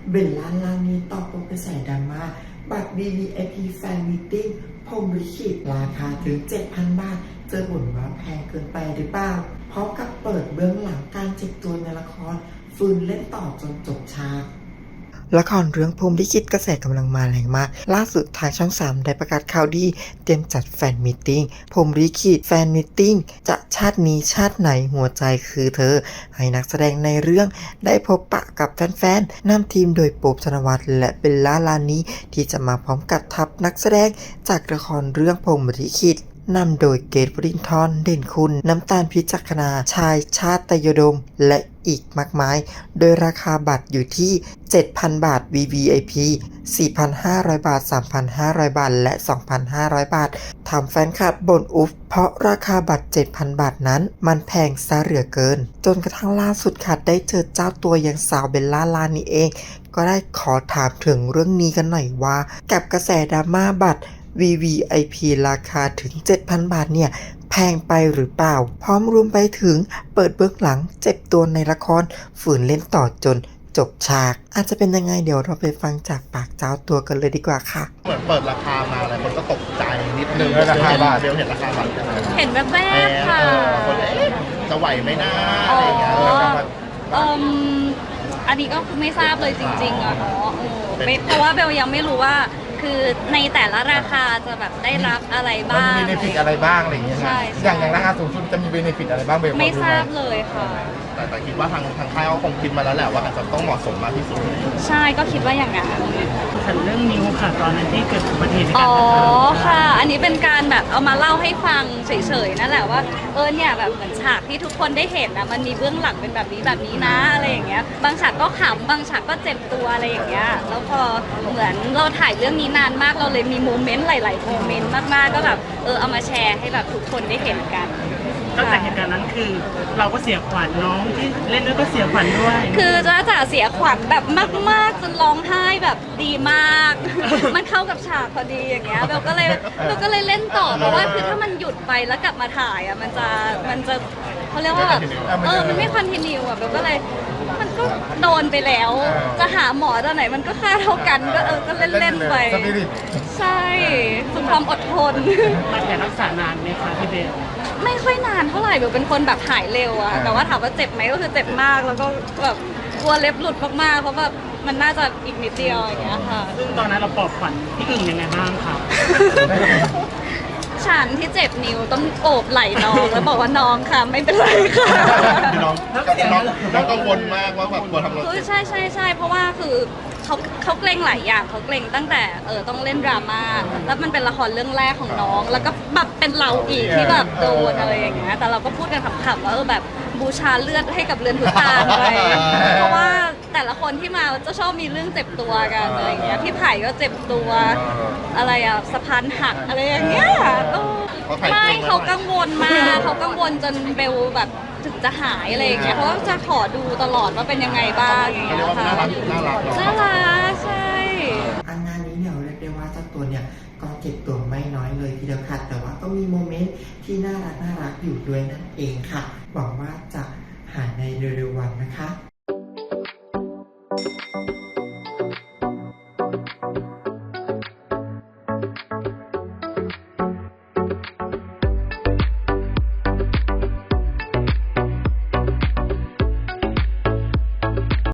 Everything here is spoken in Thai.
เบลล่าลานีตอบโต้กระแสดราม่าบัตร VVIP แฟนมีตติ้งพรหมลิขิตราคาถึง 7,000 บาทเจอบ่นว่าแพงเกินไปหรือเปล่าพร้อมกับเปิดเบื้องหลังการเจ็บตัวในละครฟื้นเล่นต่อจนจบฉากละครเรื่องพรหมลิขิตกระแสกำลังมาแรงมากล่าสุดทางช่อง 3ได้ประกาศข่าวดีเตรียมจัดแฟนมีตติ้งพรหมลิขิตแฟนมีตติ้งจะชาตินี้ชาติไหนหัวใจคือเธอให้นักแสดงในเรื่องได้พบปะกับแฟนๆนำทีมโดยโป๊ปธนวัฒน์และเบลล่าลานีที่จะมาพร้อมกับทัพนักแสดงจากละครเรื่องพรหมลิขิตนำโดยเกต วรินทร์ เด่นคุณ น้ำตาล พิจักนา ชาย ชาติตยดม และอีกมากมาย โดยราคาบัตรอยู่ที่ 7,000 บาท VVIP 4,500 บาท 3,500 บาท และ 2,500 บาท ทำแฟนคลับบ่นอุฟเพราะราคาบัตร 7,000 บาทนั้นมันแพงซะเหลือเกิน จนกระทั่งล่าสุดค่ะได้เจอเจ้าตัวอย่างสาวเบลล่าลานีเอง ก็ได้ขอถามถึงเรื่องนี้กันหน่อยว่ากับกระแสดราม่าบัตรVVIP ราคาถึง 7,000 บาทเนี่ยแพงไปหรือเปล่าพร้อมรวมไปถึงเปิดเบื้องหลังเจ็บตัวในละครฝืนเล่นต่อจนจบฉากอาจจะเป็นยังไงเดี๋ยวเราไปฟังจากปากเจ้าตัวกันเลยดีกว่าค่ะเหมือนเปิดราคามาอะไรคนก็ตกใจนิดนึงราคาบาทเดียวเห็นราคาบาทเห็นแบบค่ะคนจะไหวไหมนะอะไรอย่างเงี้ยอันนี้ก็คือไม่ทราบเลยจริงๆอะเนาะเพราะว่าเบลยังไม่รู้ว่าคือในแต่ละราคาจะแบบได้รับอะไรบ้างมีเบนฟิตอะไรบ้างอะไรอย่างเงี้ยใช่อย่างราคาสูงสุดจะมีเบนฟิตอะไรบ้างเบลไม่ทราบเลยค่ะแต่คิดว่าทางค่ายเขาคงคิดมาแล้วแหละว่าอาจจะต้องเหมาะสมมากที่สุดใช่ก็คิดว่าอย่างนั้นฉันเรื่องนิ้วค่ะตอนนั้นที่เกิดอุบัติเหตุอ๋อค่ะอันนี้เป็นการแบบเอามาเล่าให้ฟังเฉยๆนั่นแหละว่าเนี่ยแบบเหมือนฉากที่ทุกคนได้เห็นนะมันมีเบื้องหลังเป็นแบบนี้นะอะไรอย่างเงี้ยบางฉากก็ขำบางฉากก็เจ็บตัวอะไรอย่างเงี้ยแล้วพอเหมือนเราถ่ายเรื่องนี้นานมากเราเลยมีโมเมนต์หลายๆโมเมนต์มากๆก็แบบเอามาแชร์ให้แบบทุกคนได้เห็นกันตั้งแต่เหตุการณ์นั้นคือเราก็เสียขวัญน้องที่เล่นด้วยก็เสียขวัญด้วยคือจ๋าเสียขวัญแบบมากๆจนร้องไห้แบบดีมากมันเข้ากับฉากพอดีอย่างเงี้ยเบลก็เลยเล่นต่อเพราะว่าคือถ้ามันหยุดไปแล้วกลับมาถ่ายอ่ะมันจะเขาเรียกว่าแบบมันไม่คอนทินิวอ่ะเบลก็เลยมันก็โดนไปแล้วจะหาหมอตอนไหนมันก็ค่าเท่ากันก็เล่นไปใช่ฝึกความอดทนรักษานานไหมคะพี่เบลไม่ค่อยนานเท่าไหร่เบลเป็นคนแบบหายเร็วอะแต่ว่าถามว่าเจ็บไหมก็คือเจ็บมากแล้วก็แบบกลัวเล็บหลุดมากๆเพราะแบบมันน่าจะอีกนิดเดียวอย่างเงี้ยค่ะซึ่งตอนนั้นเราปลอบขวัญพี่อึ่งยังไงบ้างคะฉันที่เจ็บนิ้วต้องโอบไหล่น้องแล้วบอกว่าน้องค่ะไม่เป็นไรค่ะน้องกังวลมากว่าแบบกลัวทำอะไรคือใช่เพราะว่าคือเขาเกรงหลายอย่างเขาเกรงตั้งแต่ต้องเล่นดราม่าแล้วมันเป็นละครเรื่องแรกของน้องแล้วก็แบบเป็นเราอีกที่แบบโดนอะไรอย่างเงี้ยแต่เราก็พูดกันขำๆว่าแบบบูชาเลือดให้กับเรือนทุกตาไปเพราะว่าแต่ละคนที่มาจะชอบมีเรื่องเจ็บตัวกันอะไรอย่างเงี้ยพี่ไผ่ก็เจ็บตัวอะไรอะสะพานหักอะไรอย่างเงี้ยไม่เขากังวลมากเขากังวลจนเบลแบบถึงจะหายอะไรอย่างเงี้ยเพราะว่าจะขอดูตลอดว่าเป็นยังไงบ้างอย่างเงี้ยค่ะน่ารักใช่งานนี้เนี่ยเรียกได้ว่าเจ้าตัวเนี่ยก็เจ็บตัวไม่น้อยเลยทีเดียวค่ะแต่ว่าก็มีโมเมนต์ที่น่ารักอยู่ด้วยนั่นเองค่ะหวังว่าจะหายในเร็วๆวันนะคะ